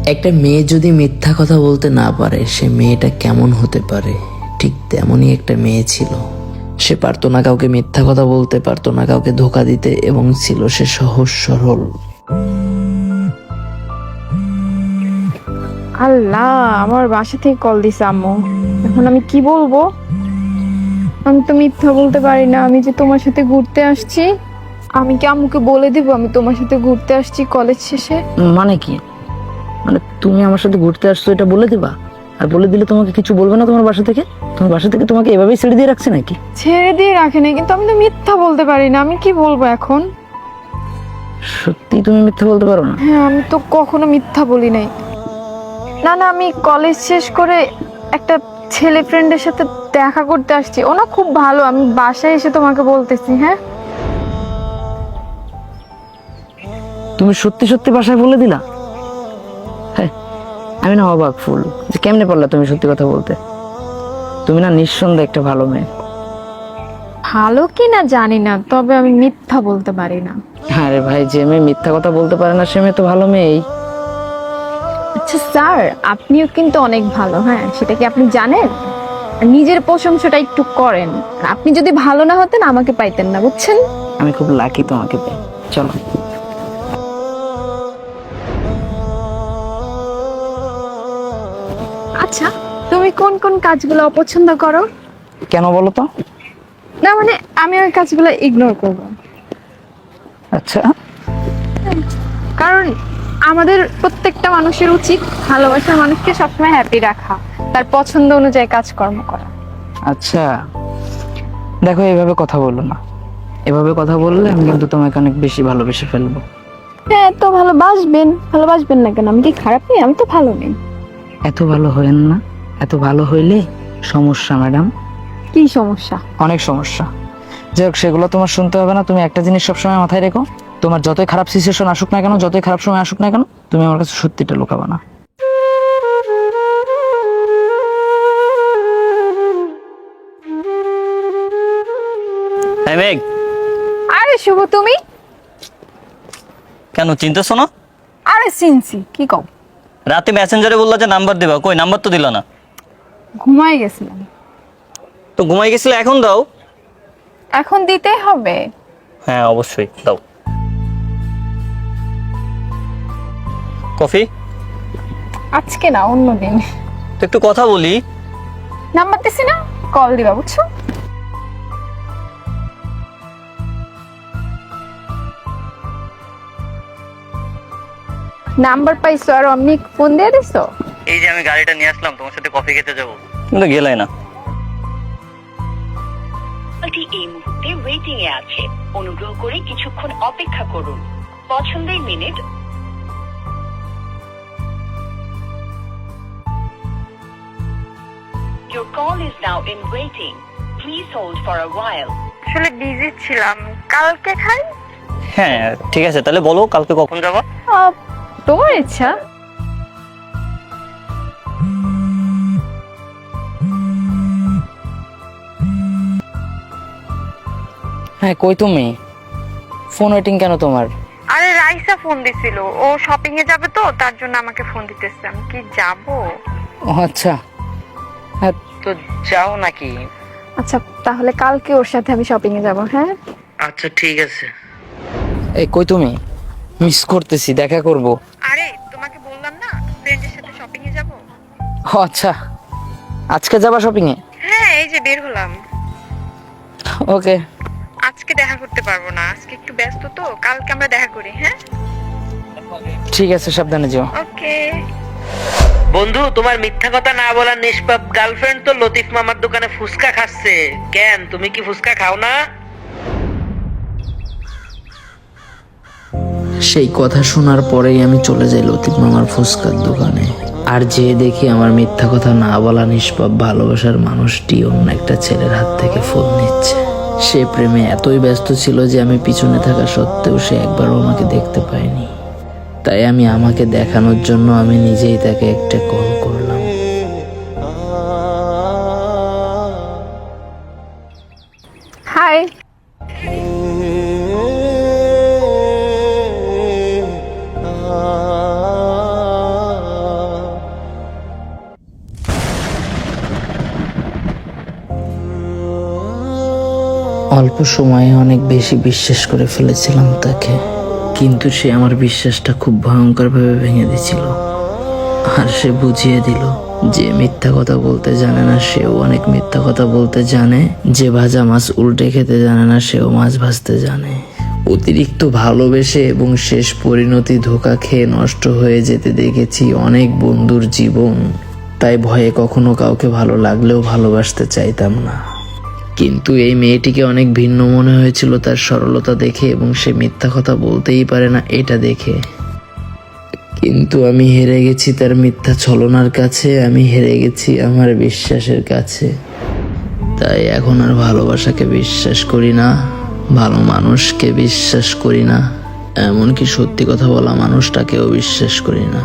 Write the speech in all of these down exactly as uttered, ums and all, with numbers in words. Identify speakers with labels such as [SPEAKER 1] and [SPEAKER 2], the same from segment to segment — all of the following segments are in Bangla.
[SPEAKER 1] একটা মেয়ে যদি মিথ্যা কথা বলতে না পারে সে মেয়েটা কেমন হতে পারে, ঠিক তেমনই একটা মেয়ে ছিল। সে পারতো না কাউকে মিথ্যা কথা বলতে, পারতো না কাউকে ধোকা দিতে, এবং ছিল সে সহজ সরল।
[SPEAKER 2] আল্লাহ, আমার বাসা থেকে কল দিছে আম্মু। এখন আমি কি বলবো? আমি তো মিথ্যা বলতে পারি না, আমি যে তোমার সাথে ঘুরতে আসছি। আমি কি আম্মুকে বলে দিব আমি তোমার সাথে ঘুরতে আসছি কলেজ শেষে?
[SPEAKER 3] মানে কি? মানে তুমি আমার সাথে ঘুরতে আসছো এটা বলে দিবা? আর বলে দিলে তোমাকে কিছু বলবে না তোমার বাসা থেকে? তোমার বাসা থেকে তোমাকে এভাবেই ছেড়ে দিয়ে রাখছে নাকি?
[SPEAKER 2] ছেড়ে দিয়ে রাখে নাই, কিন্তু আমি তো মিথ্যা বলতে পারি না। আমি কি বলবো এখন?
[SPEAKER 3] সত্যি তুমি মিথ্যা বলতে পারো না?
[SPEAKER 2] হ্যাঁ, আমি তো কখনো মিথ্যা বলি নাই। না না, আমি কলেজ শেষ করে একটা ছেলে ফ্রেন্ডের সাথে দেখা করতে আসছি। ও না খুব ভালো, আমি বাসায় এসে তোমাকে বলতেছি। হ্যাঁ,
[SPEAKER 3] তুমি সত্যি সত্যি বাসায় বলে দিলা? হ্যাঁ, আমি না অবাক ফুল যে কেমনে পারলা তুমি সত্যি কথা বলতে। তুমি না নিঃসন্দেহে একটা ভালো মেয়ে।
[SPEAKER 2] ভালো কি না জানি না, তবে আমি মিথ্যা বলতে পারি না।
[SPEAKER 3] আরে ভাই, যে মেয়ে মিথ্যা কথা বলতে পারে না সে মেয়ে তো ভালো মেয়েই।
[SPEAKER 2] আচ্ছা স্যার, আপনিও কিন্তু অনেক ভালো। হ্যাঁ, সেটা কি আপনি জানেন? নিজের প্রশংসাটা একটু করেন। আপনি যদি ভালো না হতেন আমাকে পাইতেন না, বুঝছেন?
[SPEAKER 3] আমি খুব লাকি তোমাকে পেয়ে। চলো।
[SPEAKER 2] আচ্ছা, তুমি কোন কোন কাজগুলো অপছন্দ করো?
[SPEAKER 3] কেন বলো তো?
[SPEAKER 2] না মানে, আমি ওই কাজগুলো ইগনোর করব।
[SPEAKER 3] আচ্ছা,
[SPEAKER 2] কারণ আমাদের প্রত্যেকটা মানুষের উচিত ভালোবাসার মানুষকে সবসময় হ্যাপি রাখা, তার পছন্দ অনুযায়ী কাজকর্ম করা।
[SPEAKER 3] আচ্ছা, দেখো এভাবে কথা বললো না। এভাবে কথা বললে আমি কিন্তু তোমাকে অনেক বেশি ভালোবেসে ফেলবো।
[SPEAKER 2] হ্যাঁ, তো ভালোবাসবেন। ভালোবাসবেন না কেন? আমি কি খারাপ নেই? আমি তো ভালো নেই।
[SPEAKER 3] এত ভালো হইেন না। এত ভালো হইলে সমস্যা ম্যাডাম,
[SPEAKER 2] কি সমস্যা?
[SPEAKER 3] অনেক সমস্যা। যাই হোক, সেগুলো তোমার শুনতে হবে না। তুমি একটা জিনিস সবসময় মাথায় রেখো, তোমার যতই খারাপ সিচুয়েশন আসুক না কেন, যতই খারাপ সময় আসুক না কেন, তুমি আমার কাছে সত্যিটা লুকাবে না।
[SPEAKER 4] হ্যাঁ মেঘ,
[SPEAKER 2] আরে শুভ, তুমি?
[SPEAKER 4] কেন চিনতেছো না?
[SPEAKER 2] আরে চিনছি, কি কও?
[SPEAKER 4] রাতে মেসেঞ্জারে বললা যে নাম্বার দিবা, কই নাম্বার তো দিলা না।
[SPEAKER 2] ঘুমাই গেছিলাম।
[SPEAKER 4] তো ঘুমাই গেছিলে, এখন দাও।
[SPEAKER 2] এখন দিতে হবে।
[SPEAKER 4] হ্যাঁ অবশ্যই দাও। কফি?
[SPEAKER 2] আজকে না, অন্যদিন।
[SPEAKER 4] তো একটু কথা বলি।
[SPEAKER 2] নাম্বার দিছি না, কল দিবা, বুঝছো? নাম্বার পাইছো আর অমনি ফোন দিয়ে দিছো?
[SPEAKER 4] এই যে আমি গাড়িটা নিয়ে আসলাম, তোমার সাথে কফি খেতে যাবো, কিন্তু গেলাই না।
[SPEAKER 5] কলটি এই মুহূর্তে ওয়েটিং এ আছে, অনুগ্রহ করে কিছুক্ষণ অপেক্ষা করুন। পছন্দের minute. Your call is now in waiting. Please hold for a while.
[SPEAKER 2] আসলে বিজি ছিলাম। কালকে খাই?
[SPEAKER 4] হ্যাঁ ঠিক আছে, তাহলে বলো কালকে কখন যাবা?
[SPEAKER 2] আহ, তোমার ইচ্ছা।
[SPEAKER 3] হ্যাঁ, কই তুমি? ফোন ওয়েটিং কেন তোমার?
[SPEAKER 2] আরে রাইসা ফোন দিছিল, ও শপিং এ যাবে তো তার জন্য আমাকে ফোন দিতেছে। আমি কি যাব?
[SPEAKER 3] ও আচ্ছা, হ্যাঁ তো যাও নাকি?
[SPEAKER 2] আচ্ছা, তাহলে কালকে ওর সাথে আমি শপিং এ যাব। হ্যাঁ,
[SPEAKER 3] আচ্ছা ঠিক আছে। এই কই তুমি? মিস করতেছি, দেখা করব।
[SPEAKER 2] আরে তোমাকে বললাম না ফ্রেন্ডের সাথে শপিং এ যাব।
[SPEAKER 3] ও আচ্ছা, আজকে যাবা শপিং এ?
[SPEAKER 2] হ্যাঁ, এই যে বের হলাম।
[SPEAKER 3] ওকে।
[SPEAKER 2] আজকে দেখা করতে পারবো না, আজকে একটু ব্যস্ত তো। কালকে আমরা দেখা করি। হ্যাঁ,
[SPEAKER 3] ঠিক আছে, সাবধানে যেও।
[SPEAKER 2] ওকে।
[SPEAKER 6] বন্ধু, তোমার মিথ্যা কথা না বলার নিষ্পাপ গার্লফ্রেন্ড তো লতিফ মামার দোকানে ফুচকা খাচ্ছে। কেন, তুমি কি ফুচকা খাও না?
[SPEAKER 1] সেই কথা শোনার পরেই আমি চলে যাই লতিফ মামার ফুচকার দোকানে। আর যে দেখি আমার মিথ্যা কথা না বলা নিষ্পাপ ভালোবাসার মানুষটি অন্য একটা ছেলের হাত থেকে ফোন নিচ্ছে। সে প্রেমে এতই ব্যস্ত ছিল যে আমি পিছনে থাকা সত্ত্বেও সে একবারও আমাকে দেখতে পায়নি। তাই আমি আমাকে দেখানোর জন্য আমি নিজেই তাকে একটা কল করলাম।
[SPEAKER 2] হাই।
[SPEAKER 1] অল্প সময়ে অনেক বেশি বিশ্বাস করে ফেলেছিলাম তাকে, কিন্তু সে আমার বিশ্বাসটা খুব ভয়ঙ্করভাবে ভেঙে দিয়েছিল। আর সে বুঝিয়ে দিল যে মিথ্যা কথা বলতে জানে না সেও অনেক মিথ্যা কথা বলতে জানে, যে ভাজা মাছ উল্টে খেতে জানে না সেও মাছ ভাজতে জানে। অতিরিক্ত ভালোবেসে এবং শেষ পরিণতি ধোঁকা খেয়ে নষ্ট হয়ে যেতে দেখেছি অনেক বন্ধুর জীবন। তাই ভয়ে কখনো কাউকে ভালো লাগলেও ভালোবাসতে চাইতাম না। কিন্তু এই মেয়েটিকে অনেক ভিন্ন মনে হয়েছিল তার সরলতা দেখে এবং সে মিথ্যা কথা বলতেই পারে না এটা দেখে। কিন্তু আমি হেরে গেছি তার মিথ্যা ছলনার কাছে, আমি হেরে গেছি আমার বিশ্বাসের কাছে। তাই এখন আর ভালোবাসাকে বিশ্বাস করি না, ভালো মানুষকে বিশ্বাস করি না, এমনকি সত্যি কথা বলা মানুষটাকেও বিশ্বাস করি না।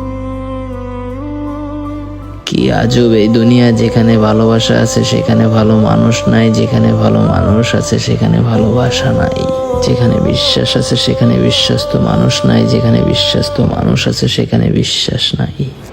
[SPEAKER 1] কি আজব এই দুনিয়া, যেখানে ভালোবাসা আছে সেখানে ভালো মানুষ নাই, যেখানে ভালো মানুষ আছে সেখানে ভালোবাসা নাই, যেখানে বিশ্বাস আছে সেখানে বিশ্বস্ত মানুষ নাই, যেখানে বিশ্বস্ত মানুষ আছে সেখানে বিশ্বাস নাই।